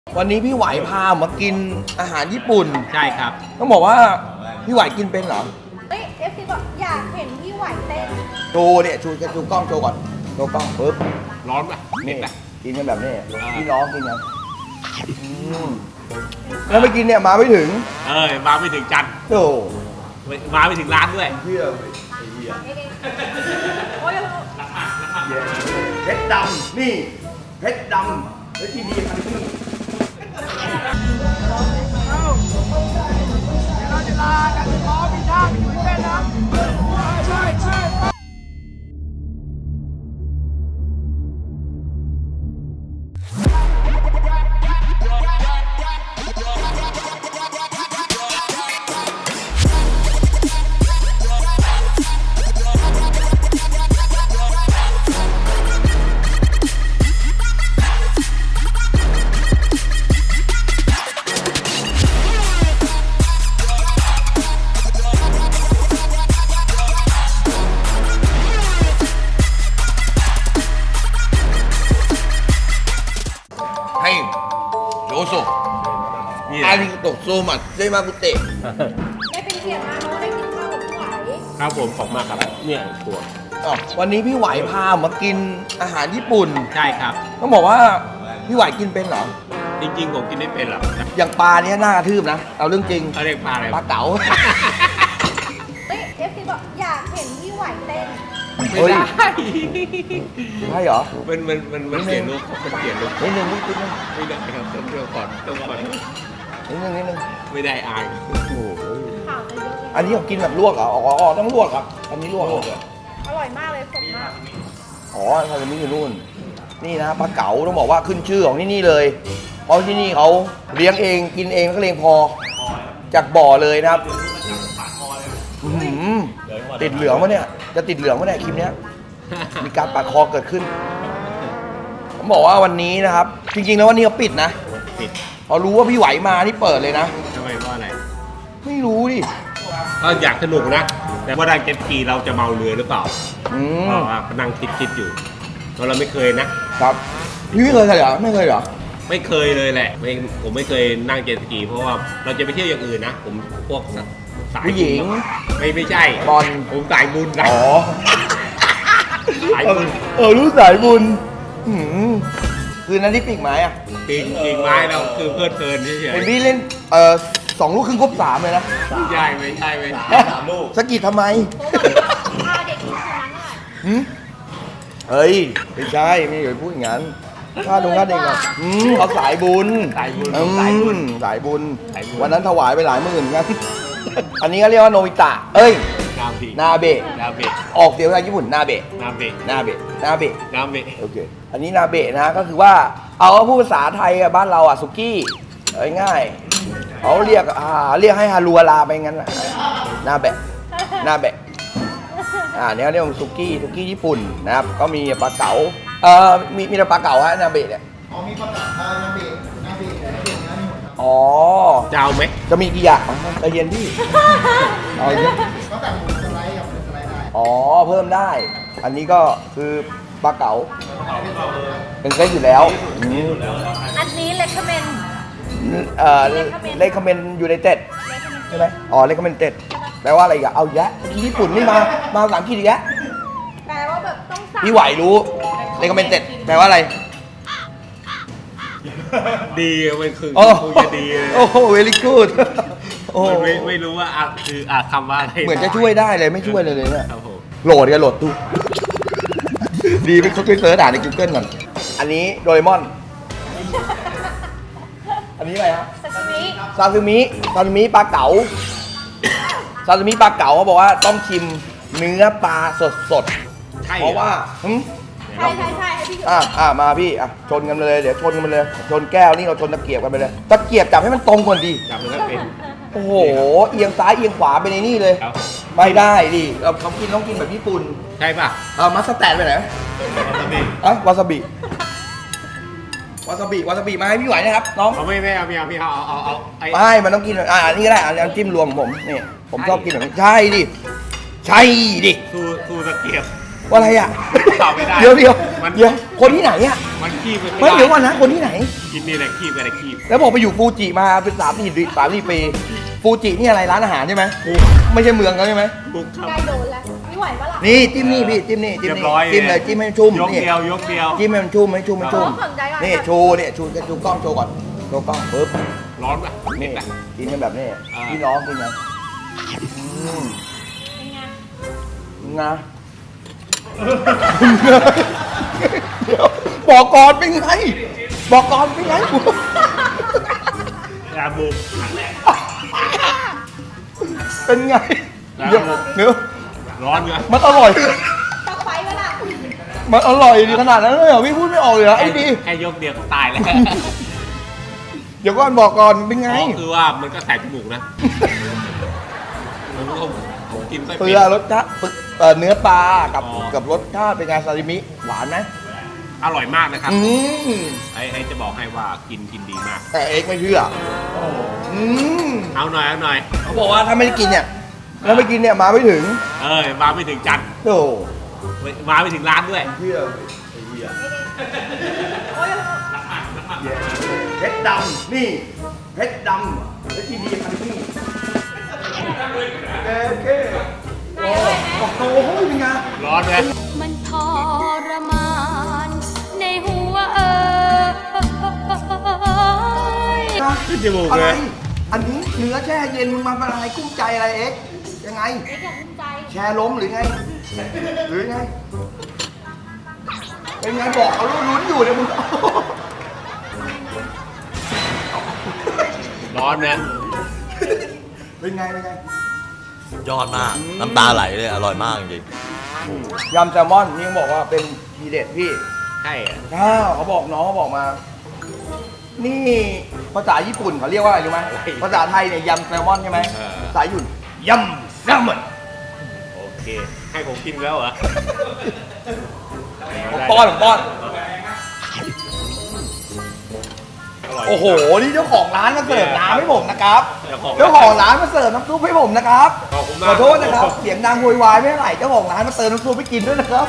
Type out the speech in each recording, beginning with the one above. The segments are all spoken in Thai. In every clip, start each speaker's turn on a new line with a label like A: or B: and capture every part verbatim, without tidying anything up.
A: วันนี้พี่ไหวพามากินอาหารญี่ปุ่น
B: ใช่ครับ
A: ต้องบอกว่าพี่ไหวกินเป็นเหรอ
C: เฮ้ยเอฟซีบอกอยากเห็นพี่ไหวเต้น
A: โชว์เนี่ยชูชูกล้องโชว์ก่อนโชว์กล้องปึ๊บ
B: ร้อนป่ะเผ็
A: นี่
B: ดป่ะ
A: กินกันแบบนี้พี่น้องกินกันอืมแล้วไม่กินเนี่ยมาไม่ถึง
B: เออมาไม่ถึงจันทร์
A: โอ้
B: มาไม่ถึงร้านด้วย
A: เฮีย
C: โอ้ย
A: เพชรดำนี่เพชรดำแล้วที่ดีคันนี้ให้โยโซ
B: นี่
A: อาริโตโซมัสเซมากุเตะ
C: ได้เป็นเกียรติมากเพราะว่าได้กินข้าวกับพี่ไหว
B: ครับผมขอบมากครับเนี่ยตัว
A: อ๋อวันนี้พี่ไหวพามากินอาหารญี่ปุ่น
B: ใช่ครับ
A: ต้องบอกว่าพี่ไหวกินเป็นเหรอ
B: จริงๆผมกินไม่เป็นหรอก
A: อย่างปลาเนี้ยน่ากระทืบนะ เอาเรื่องจริง
B: เขาเรียกปลาอะไร
A: ปลาเก๋า
C: เฮ้ยเอฟซีบอกอยากเห็นพี่ไหวเต้น
B: ไม่
A: เฮ้ย
B: ได้
A: ใช่เหรอ
B: มันมันมันมันเปลี่ยนลุคมันเปลี่ยนลุค
A: นิดนึงนิดนึง
B: ไม่ได้ครับต้องเที่ยวก่อนต้องก่อน
A: นิดนึงนิดนึง
B: ไม่ได้อาย
A: โอ้โห
C: ข่าวจะเยอะเลย
A: อันนี้ผมกินแบบลวกเหรออ๋ออ๋อต้องลวกครับ อันนี้ลวกเหรอ
C: อร่อยมากเลยสดมาก
A: อ๋อซาซิมิอยู่นู่น นี่นะปลาเก๋าต้องบอกว่าขึ้นชื่อของที่นี่เลย เพราะที่นี่เขาเลี้ยงเองกินเองแล้วก็เลี้ยงพอ จากบ่อเลยนะครับอื้อหือติดเหลืองวะเนี่ย จะติดเหลืองวะเนี่ยคลิปเนี้ย มีการปาดคอเกิดขึ้น ผมบอกว่าวันนี้นะครับ จริงๆแล้ววันนี้เขาปิดนะ
B: ปิด
A: พอรู้ว่าพี่ไหวมานี่เปิดเลยนะ
B: ทำไมว่าอะไร
A: ไม่รู้ดิ
B: ก็อยากสนุกนะ แต่ว่าดังเจ็ตสกีเราจะเมาเรือหรือเปล่า
A: อื
B: เพ
A: ม
B: ราะว่านั่งคิดคิดอยู่เพราะเราไม่เคยนะ
A: ครับพี่ไม่เคยเหรอไม่เคยเหรอ
B: ไม่เคยเลยแหละไม่ผมไม่เคยนั่งเจ็ตสกี เพราะว่าเราจะไปเที่ยวอย่างอื่นนะ ผมพวกสาย
A: ผู้หญิง
B: ไม่ไม่ใช่
A: บอล
B: ผมสายบุญนะ
A: อ๋อ
B: สาย
A: เอ
B: บุ
A: อ
B: ญ
A: เออรู้สายบุญหืมคืนนั้นที่ปีกไม้อะ
B: ปีนปีนไม้เราคือเพลิดเพลินเฉย
A: เป็นพี่เล่นเออสองลูกครึ่งครบสามเลยนะ
B: ๆไม่ใช่ไม่ใช่ไม่ใช่สามลูก
A: สะกิดทำไม
C: พาเด็กกินคนนั้นหน่อย
A: หืมเฮ้ยไม่ใช่ไม่เคยพูดอย่างนั้นค่าดงค่าเด็กอ่ะอืมเขาสายบุญ
B: สายบุญ
A: อื
B: สายบุญ
A: มสายบุญ
B: สายบุญ
A: วันนั้นถวายไปหลายหมื่นกัน อันนี้ก็เรียกว่าโนบิตะ เอ้ย
B: นาเบะ
A: นาเบะ
B: นาเบะ
A: ออกเสียงภาษาญี่ปุ่นนาเบะ
B: นาเบะ
A: นาเบะนาเบะ
B: นาเบะ
A: โอเค อันนี้นาเบะนะก็คือว่าเอาพูดภาษาไทยอะบ้านเราอะสุกี้เอาง่ายๆเขาเรียกอ่าเรียกให้ฮารัวลาไปงั้นน่ะนาเบะนาเบะอ่าเนี่ยเรียกว่าสุกี้สุกี้ญี่ปุ่นนะครับก็มีปลาเก๋าเอ่อมีมีแต่ปลาเก๋าฮะนาเบะเนี่ย
D: อ๋อมีประกาศนาเบะนาเบะนาเบะนะนี่หมด
A: อ๋อ
B: จะเอาไหม
A: จะมีกี่อย่างอ๋อใจเย็นพี่เอาเยอะ
D: ตั้งแต่หมูสไลด์กับหมูสไลด์ได้
A: อ๋อเพิ่มได้ อันนี้ก็คือปลาเก๋าเป็นเซตอยู่แล้วอืม
C: อันนี้เลคเมน
A: เอ่อเลคคอมเมนต์ยูไนเต็ดใช่ไหมอ๋อเลคคอมเมนเต็ดแปลว่าอะไรอีกันเอาอีกแยะที่ญี่ปุ่นนี่มา มาภาษาอังกฤษอีกแล้ว
C: แปลว่าแบบต้องสั่ง
A: พี่ไหวรู้เลคคอมเมนเต็ดแปลว่าอะไร
B: ดีมันคือ
A: โอ้
B: คงจะดีเลย
A: โอ้โหเวลี่กูดโอ้
B: มันไม่ไม่รู้ว่าอ่ะคืออ่ะคำว่าอะไร
A: เหมือนจะช่วยได้เลยไม่ช่วยเลยเลยเนี่ย
B: ครับผม
A: โหลดกันโหลดดูดีไปเขาไปเสิร์ชอ่านใน Google ก่อน อันนี้โดเรมอน อันนี้อะไรครับ
C: ซาชิมิ
A: ซาซิมิซาซิมิปลาเก๋าซาซิมิปลาเก๋าเขาบอกว่าต้องชิมเนื้อปลาสดสดๆ
B: ใช่
A: เพราะว่าหึ
C: ใช่ใช่ใช่ให้พี่อยู่
A: อ่ะอ่ะมาพี่อ่ะชนกันเลยเดี๋ยวชนกันไปเลยชนแก้วนี่เราชนตะเกียบกันไปเลยตะเกียบจับให้มันตรงก่อนดี
B: จับมันก็เป็น
A: โอ้โหเอียงซ้ายเอียงขวาไปในนี่เลย
B: ครับ
A: ไม่ได้ดิเราเขากินต้องกินแบบญี่ปุ่น
B: ใช่ป่ะ
A: เอามัสแตนไปไหน
B: วาซาบิ
A: อ่ะวาซาบิวาซาบิวาซาบิมาให้พี่ไหวนะครับน้อง
B: เอาไม่ไม่เอาไม่เอาไม่เอาเอาเอาเอาไอ้
A: ไม่มันต้องกินอ่ะอันนี้ก็ได้อันนี้จิ้มรวมของผมนี่ผมชอบกินแบบนี้ใช่ดิใช่ดิ
B: ทูทูตะเกียบ
A: ว่าอะไรอ่ะ
B: ตอบไม่ได้
A: เดี๋ยวเดี๋ยว
B: มัน
A: เดี๋ยวคนที่ไหนอ่ะ
B: คมันขี้ไป
A: ไม่เดี๋ยวก่อนนะคนที่ไหน
B: กินนี่แหละขี้ไปอะไรขี้
A: แล้วบอกไปอยู่ฟูจิมาเป็นสามสี่สามสี่ปีฟูจินี่อะไรร้านอาหารใช่ไหมไม่ใช่เมืองเขาใช่ไหม
B: บุกครับ
C: ใกล้โดนแล้วไม่ไหวปะล่ะ
A: นี่จิ้มนี่พี่จิ้มนี่จิ้ม
B: เรีย
A: นี่
B: บร้อย
A: จิ้มเลยจิ้มให้มันชุ่ม
B: ยก
A: นี่
B: เดียวยกเดียว
A: จิ้มให้มันชุ่มให้ชุ่มให้ชุ่ม
C: สนใจก่อน
A: นี่ชูเนี่ยชูชูกล้องโชว์ก่อนโชว์กล้องปึ๊บ
B: ร้อนป่ะ
A: นี่
B: เผ็ดป่ะ
A: กินกันแบบนี้
B: อ่า
A: พี่น้องกินกันอืม
C: เป็นไง
A: งาเดี๋ยวบอกก่อนเป็นไงบอกก่อนเป็นไง
B: ยาบุก
A: เป็นไง
B: แล้ว
A: เดี๋ยวเดี๋ยว
B: ร้อนเงย
A: มันอร่อย
C: ต้องไฟปะล่ะ
A: มันอร่อยดีขนาดนั้นเลยเหรอพี่พูดไม่ออกเลยเหรอไอ้ดี
B: แค่ยกเดียวก็ตายแล้ว
A: เดี๋ยวก่อนบอกก่อนเป็นไง
B: อ๋อคือว่ามันก็แสบจมูกนะผมก็ผมกินไป
A: เปลือรสชาติเอ่อเนื้อปลากับ
B: อ๋อ
A: กับรสชาติเป็นไงซาซิมิหวานไหม
B: อร่อยมากนะครับ
A: อืม
B: ไอ้ไอ้จะบอกให้ว่ากินกินดีมาก
A: แต่เอ็กไม่เชื่ออืม
B: เอาหน่อยเอาหน่อย
A: เขาบอกว่าถ้าไม่ได้กินเนี่ยถ้าไม่กินเนี่ยมาไม่ถึง
B: เอ้ยมาไม่ถึงจันทร์
A: โอ้
B: มาไม่ถึงร้านด้วย
A: เชื่อ
C: โอ้ย
A: เพชรดำนี่เพชรดำเพชรที่ดีคันนี้โอเค
C: ไหนอร่อยไหม
A: โอ้โหเป็นไง
B: ร้อนไหม
E: มันทรมานในหัวเอ่ย
B: ขึ้นจมูก
A: อะ
B: เล
A: ไร
B: ย
A: อันนี้เนื้อแช่เย็นมึงมาเป็นอะไรกุ้งใจอะไรเอ็กซ์ยังไง
C: เอ็กซ์อยากภูมิใจ
A: แชร์ล้มหรือไง หรือไง เป็นไงบอกเขาลุ้นอยู่เนี่ยมึง
B: ร้อนนะ
A: เป็นไงเป็นไง
F: ยอดมาก น้ำตาไหลเลย อร่อยมากจริง
A: ยำแซลมอนนี่เขาบอกว่าเป็นทีเด็ดพี่
B: ใช่อะ
A: อ้าวเขาบอกน้องเขาบอกมา นี่ภาษาญี่ปุ่นเขาเรียกว่าอะไรรู้ไหมภาษาไทยเนี่ยยำแซลมอนใช่ไหมภาษาญี่ปุ่นยำแซลมอน
B: โอเค ให้ผมกินแล้วเหรอ
A: ผมป้อนผมป้อน
B: อร่อย
A: โอ้โห นี่เจ้าของร้านมาเสิร์ฟน้ำให้ผมนะครับ
B: เจ้าของ
A: เจ้าของร้านมาเสิร์ฟน้ำซุปให้ผมนะครับ
B: ขอบคุณมาก
A: ขอโทษนะครับ เสียงดังโวยวายไม่เท่าไหร่เจ้าของร้านมาเติมน้ำซุปให้กินด้วยนะครับ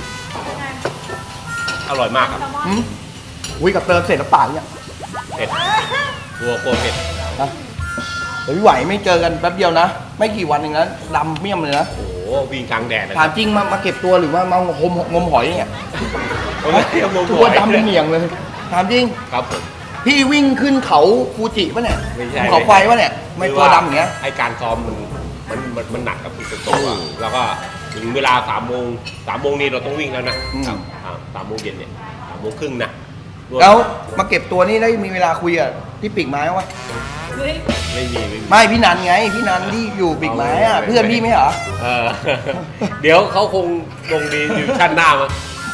B: อร่อยมากครับ
C: แซลมอน
A: หืมอุ้ยกับเติมเสร็จแล้วป่าเนี่ย
B: เผ็ดกลัวกลัวเผ็ด
A: นะเดี๋ยวพี่ไหวไม่เจอกันแป๊บเดียวนะ ไม่กี่วันเองนะดำเมี่ยมเลยนะ
B: โอ้โหวิ่งกลางแดดนะค
A: ถา
B: รั
A: ม
B: บ
A: จริงมามางมเก็บตัวหรือว่ามางมงมหอยเนี่ย
B: ผมไม่ได้เอาลง
A: ตั
B: หั
A: ว
B: ว
A: ดำเป็นเหนียงเลยถามจริง
B: ครับผม
A: พี่วิ่งขึ้นเขาฟูจิปะเนี่ย
B: ไม่ใช่
A: ภูเขาไฟปะเนี่ยไม่ตัวดำอย่างเงี้ย
B: ไอการซ้อมมันมันมันมันหนักกับคุณโตอ่ะแล้วก็ถึงเวลาสามโมงสามโมงนี่เราต้องวิ่งแล้วนะครับอ่าสามโมงเย็นเนี่ยสามโมงครึ่งนะรม
A: แล้วมาเก็บตัวนี่ได้มีเวลาคุยกับพี่ปีกไม้วะ
C: เฮ้ย
B: ไม่มีไม่มี
A: ไม่พี่นันไงพี่นันที่อยู่ปีกไม้อะเพื่อนพี่ไม่เหรอ
B: เออ เดี๋ยวเขาคงลงดีอยู่ชั้นหน้ามั้ง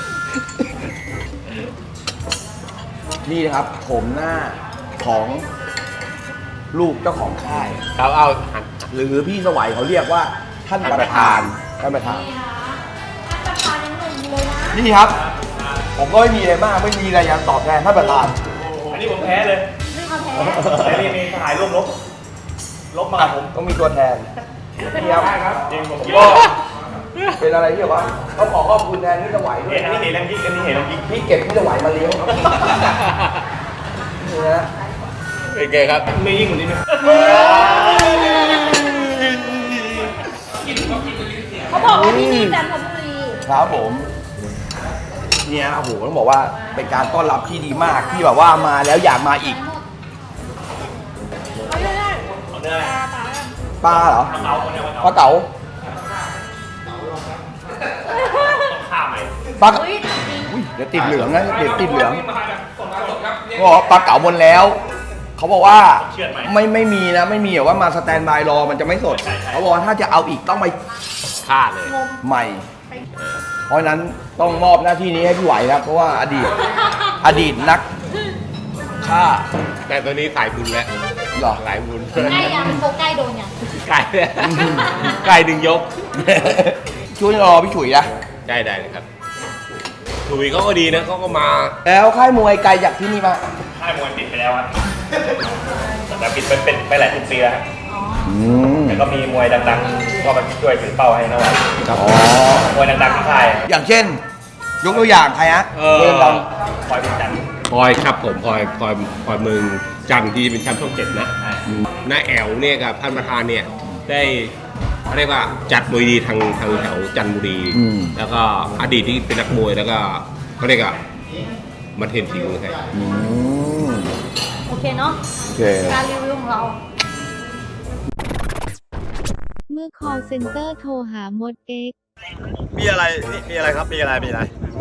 A: นี่นะครับโฉมหน้าของลูกเจ้าของค่าย
B: ครับเอาหัน
A: หรือพี่สวัยเขาเรียกว่าท่านประธานท่านประธาน
C: นี่นะท่านประธานยังหนุ่มอยู่เลยนะ
A: นี่ครับ ผมก็ไม่มีอะไรมากไม่มีอะไรอยากตอบแทนท่านประธาน
G: อันนี้ผมแพ้เลย
C: ไม่เอาแพ้
G: แต่นี่มีทหารร่วมรบ ลบมากับผม
A: ต้องมีตัวแทนนี่ครับ
G: จริงผม
A: ก็
G: ก็
A: เป็นอะไรที่แบบว่าต้องขอขอบคุณแทนพี่สวัยด้ว
G: เห็
A: ย
G: นอันนี้เห็นแล้วยิงอันนี้เห็นแล้วยิง
A: พี่เก็บพี่สวัยมาเลี้ยงครับนี่นะ
B: เป็นไงครับ
G: ไม่ยิ่งกว่านี้ไหม
C: เขาบอกว่าที่นี่จันทบุรี
A: ครับผมเนี่ยโอ้โหต้องบอกว่าเป็นการต้อนรับที่ดีมากที่แบบว่ามาแล้วอยากมาอีก
C: เอาเรื่อย
G: เอาเนื้ออะไร
C: ๆปลาปลา
A: ปลาเหรอ
G: เอาคนเดียว
A: ปลาเก๋า
G: ข้าวใหม่
A: ปลาเก๋า
C: เฮ้ยจริง
A: อุ้ยเดี๋ยวติดเหลืองนะเดี๋ยวติดเหลืองก็บอกว่าปลาเก๋าหมดแล้ว เขาบอกว่าไม่ไม่มีนะไม่มีแบบว่ามาสแตนบายรอมันจะไม่สด เขาบอกว่าถ้าจะเอาอีกต้องไป
B: ฆ่าเลย
C: งม
A: ใหม่ เพราะฉะนั้นต้องมอบหน้าที่นี้ให้พี่ไหวครับเพราะว่าอดีตอดีตนักฆ่า
B: แต่ตัวนี้สายบุญแล้ว
A: เหรอ
B: สายบุญ
C: ใกล้ยังโฟใกล้โดนยัง
B: ไก่ไก่ดึงยก
A: ช่วยรอพี่ฉุยนะ
B: ได้ได้เลยครับถุยเขาก็ดีนะเขาก็มา
A: แล้วค่ายมวยไกลจากที่นี่มา
G: ค่ายมวยปิดไปแล้วครับแต่ปิดเป็นเป็นไปหลายสิบปีแล้วครับ
A: อืม
G: แต่ก็มีมวยดังๆ ก็มาช่วยถือเป้าให้นะวัน
A: อ๋อ
G: มวยดังๆที่ค่าย
A: อย่างเช่นยกตัวอย่างใครฮะ
B: เออ
A: เรื่องดัง
G: คอยเป็นจันทร์
B: พลอยครับผมพลอยพลอยพลอยเมืองจันทร์ที่เป็นแชมป์ช่องเจ็ดนะน้าแอลเนี่ยกับท่านประธานเนี่ยได้เขาเรียกว่าจัดมวยดีทางทางแถวจันทบุรี
A: อืม
B: แล้วก็อดีตที่เป็นนักมวยแล้วก็เขาเรียกว่ามาเทรนฝีมือให้
A: อืม
C: โอเคเนาะ
A: โอเค
C: การรีวิวของเรา
H: เมื่อ call center โทรหามด X
F: มีอะไรนี่มีอะไรครับ มีอะไร มีอะไร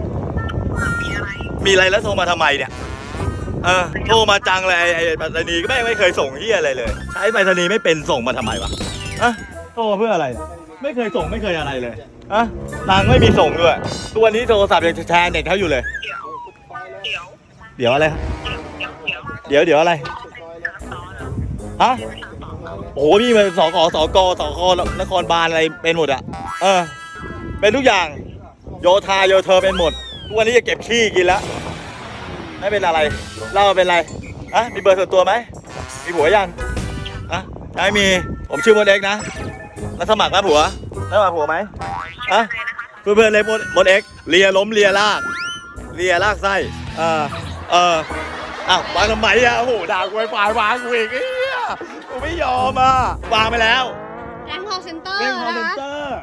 F: มีอะไรแล้วโทรมาทำไมเนี่ย เออ โทรมาจังเลยไอ้ไอ้ไปรษณีย์ก็ไม่ไม่เคยส่งเฮียอะไรเลย ใช้ไปรษณีย์ไม่เป็นส่งมาทำไมวะอะโทรมาเพื่ออะไร ไม่เคยส่งไม่เคยอะไรเลยอะตังค์ไม่มีส่งด้วยตัวนี้โทรศัพท์ยังแชร์เน็ตเขาอยู่เลย เดี๋ยว เดี๋ยว เดี๋ยวอะไรครับเดี๋ยวเดี๋ยวอะไร ฮะ โอ้โหพี่มันสกสกสกนครบาลอะไรเป็นหมดอะเออ เป็นทุกอย่าง โยธาโยเธอเป็นหมดทุกวันนี้จะเก็บขี้กินแล้ว ไม่เป็นอะไรเล่าเป็นอะไรอะมีเบอร์ส่วนตัวไหม มีผัวยังอะยังไม่มี ผมชื่อมดเอ็กซ์นะ แล้วสมัครไหมผัวแล้วสมัครผัวไหมอะเพื่อนเพื่อนๆเลยมดมดเอ็กซ์เลียล้มเลียลากเลียลากไส้เออเอออ้าววางทำไมอะโอ้โหด่ากูไปฝ่ายวางกูอีกเอ้ยกูไม่ยอมอ่ะวางไปแล้ว
C: แรง call center
F: เล่นคอม
C: นะ
F: เมน
C: คะ
F: เตอร์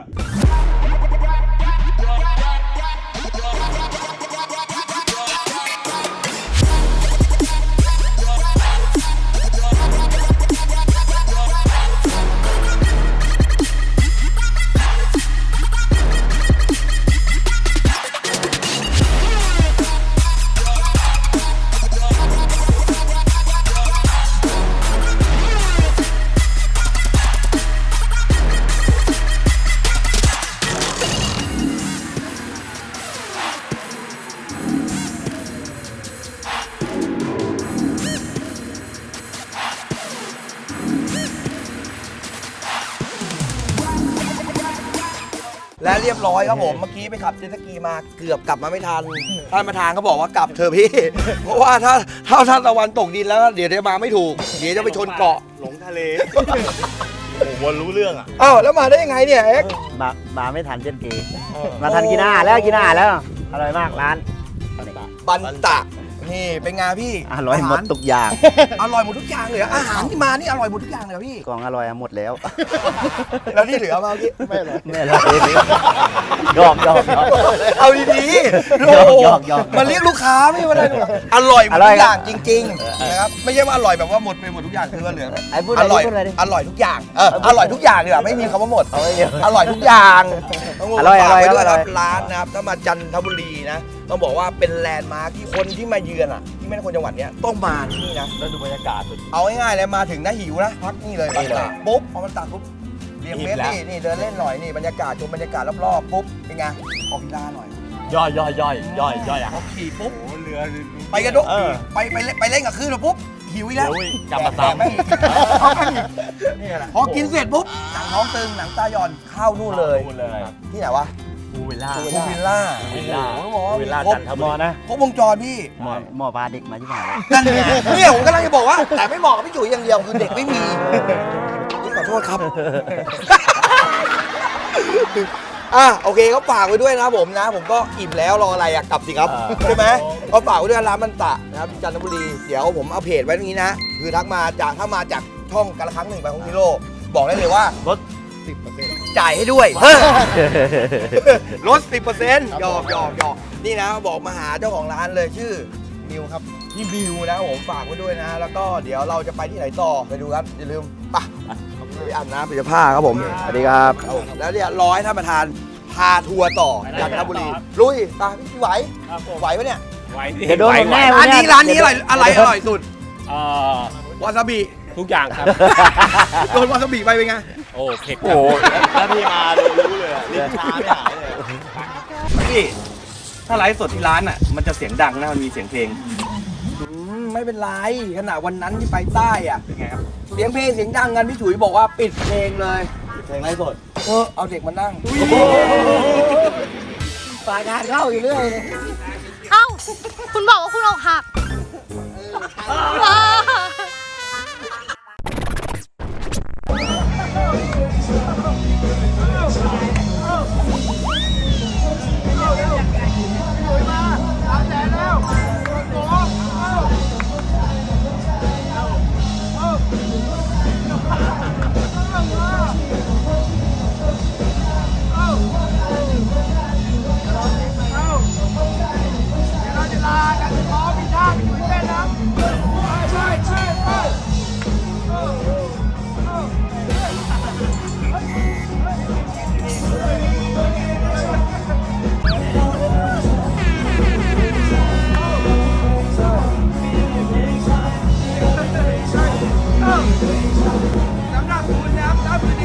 A: และเรียบร้อยครับผม เมื่อกี้ไปขับเจ็ตสกีมาเกือบกลับมาไม่ทัน ท่านประธานเขาบอกว่ากลับเถอะพี่ เพราะว่าถ้าถ้าท่านตะวันตกดินแล้วเดี๋ยวจะมาไม่ถูก เดี๋ยวจะไปชนเกาะ
F: หลงทะเล โอ้โหวนรู้เรื่องอ่ะ
A: อ้าวแล้วมาได้ยังไงเนี่ยเอ็กซ์
I: มามาไม่ทันเจ็ดกีมาทันกินอาหารแล้วกินอาหารแล้ว อร่อยมากร้าน
A: บันตะนี่เป็นไงพี่
I: อร่อยหมดทุกอย่าง
A: อร่อยหมดทุกอย่างเลยเหรออาหารที่มานี่อร่อยหมดทุกอย่างเลยเหรอพี่
I: กล่องอร่อยหมดแล้ว
A: แล้วที่เหลือมาเมื่อกี้ไม่เลย
I: ไม่อร่อยยอกยอกยอก
A: เอาดีๆ
I: หยอก
A: โอ้โห
I: หยอกหยอก
A: มันเรียกลูกค้าไม่ว่าอะไรหรอกอร่อยหมด
I: อร่
A: ทุ
I: อย
A: กอย่างจริงๆนะครับไม่ใช่ว่าอร่อยแบบว่าหมดไปหมดทุกอย่างคือว่าเหลือ
I: ไอ้พูด
A: อ
I: อะไร
A: ร่อย
I: พูดอะไรดิ
A: อร่อยทุกอย่างเอออร่อยทุกอย่างดีกว่าไม่มีคำว่าหมด
I: เอาไว้เดียว
A: อร่อยทุกอย่างต้องบอก
I: อร่อย
A: ฝากไว้
I: อร่อย
A: ด้วย
I: อร่
A: ค
I: อย
A: รับร้านนะครับถ้ามาจันทบุรีนะต้องบอกว่าเป็นแลนด์มาร์คที่คนที่มาเยือนอ่ะที่ไม่ใช่คนจังหวัดเนี้ยต้องมาที่นี่นะ
F: แล้วดูบรรยากาศ
A: เอาง่ายๆเลยมาถึงนะหิวนะพักนี่เลย
F: นี่เลย
A: ปุ๊บพอมันตัดปุ๊บเรียงเมตร
F: อิ่มแล้ว
A: นี่นี่เดินเล่นหน่อยนี่บรรยากาศชมบรรยากาศรอบๆปุ๊บเป็นไงออกกีฬาหน่อย
F: ย่อยย่อยย่อยย่อยย่อยอ่ะ
A: พอขี่ปุ๊บ
F: โอ้เรือ
A: ไปกระดก
F: เออ
A: ไปไปเล่นไปเล่นกับคลื่นมาปุ๊บหิวอีกแล้ว
F: หิวอีกกลับมาซ้ำ
A: แดกแม่งอีกเอาแม่งอีกนี่แหละพอกินเสร็จปุ๊บหนังท้องตึงหนังตาหย่อนเข้านู่นเลย
F: พูดเลย
A: ที่ไหนวะ
F: ภูวิลล่า
A: ภูวิลล่า
F: วิลล่า
A: โอ้โหบอกว่า
F: วิลล่า
A: ครบ
F: จันท
I: หม
F: บุ
I: อ
F: รี
I: นะ
A: ครบวงจรพี่
I: หมอหมอพาเด็กมาที่ไหน
A: นั่นไงเนี่ยผมกำลังจะบอกว่า แต่ไม่เหมาะกับพี่จุ๋ยอย่างเดียวคือเด็กไม่มีนี่ขอโทษครับ อ่ะโอเคก็ฝากไว้ด้วยนะครับผมนะ ผมก็อิ่มแล้วรออะไรอะกลับสิครับ
F: อ่า
A: ใช่ไหมก็ฝากไว้ด้วยร้านมันตะนะครับจันทบุรีเดี๋ยวผมเอาเพจไว้ตรงนี้นะ คือทักมาจากถ้ามาจากช่องกาละครั้งหนึ่งไปของฮิโร่บอกได้เลยว่าลด สิบเปอร์เซ็นต์ จ่ายให้ด้วยเฮ้ยลด สิบเปอร์เซ็นต์ หยอกหยอกหยอกนี่นะบอกมาหาเจ้าของร้านเลยชื่อมิวครับพี่มิวนะผมฝากไว้ด้วยนะ แล้วก็เดี๋ยวเราจะไปที่ไหนต่อไปดูครับอย่าลืมไปไปอาบน้ำไปจะผ้าครับผม
I: สวัสดีครับ
A: แล้วเนี่ยรอให้ท่านประธานพาทัวร์ต่อจันทบุรีลุยตาพี่ไหวไหวปะเนี่ย
B: ไว้ที่
I: เดี๋ยวโดนผมแน่
A: ร้านนี้ร้านนี้อะไรอะไรอร่อยสุด
B: เอ่อ
A: วาซาบิ
B: ทุกอย่างครับ
A: โดนวาซาบิไปเป็นไง
B: โอ้เผ็ดค
F: โอ้
B: รับ
F: โหถ้าพี่มาดูรู้เลยอะลิ้นชาไม่หายเลย
G: พี่ถ้าไลฟ์สดที่ร้านอ่ะมันจะเสียงดังนะมันมีเสียงเพลง
A: อืมไม่เป็นไรขนาดวันนั้นที่ไปใต้อ่ะ
G: เป็นไงครับ
A: เสียงเพลงเสียงดังกันพี่ฉุยบอกว่าปิดเพลงเลย
F: เพลงไรสด
A: เออเอาเด็กมานั่ง
I: ฝากงานเข้าอยู่เรื่อยเลย
C: เอ้า คุณบอกว่าคุณอกหัก
A: สำหรับคุณนะครับ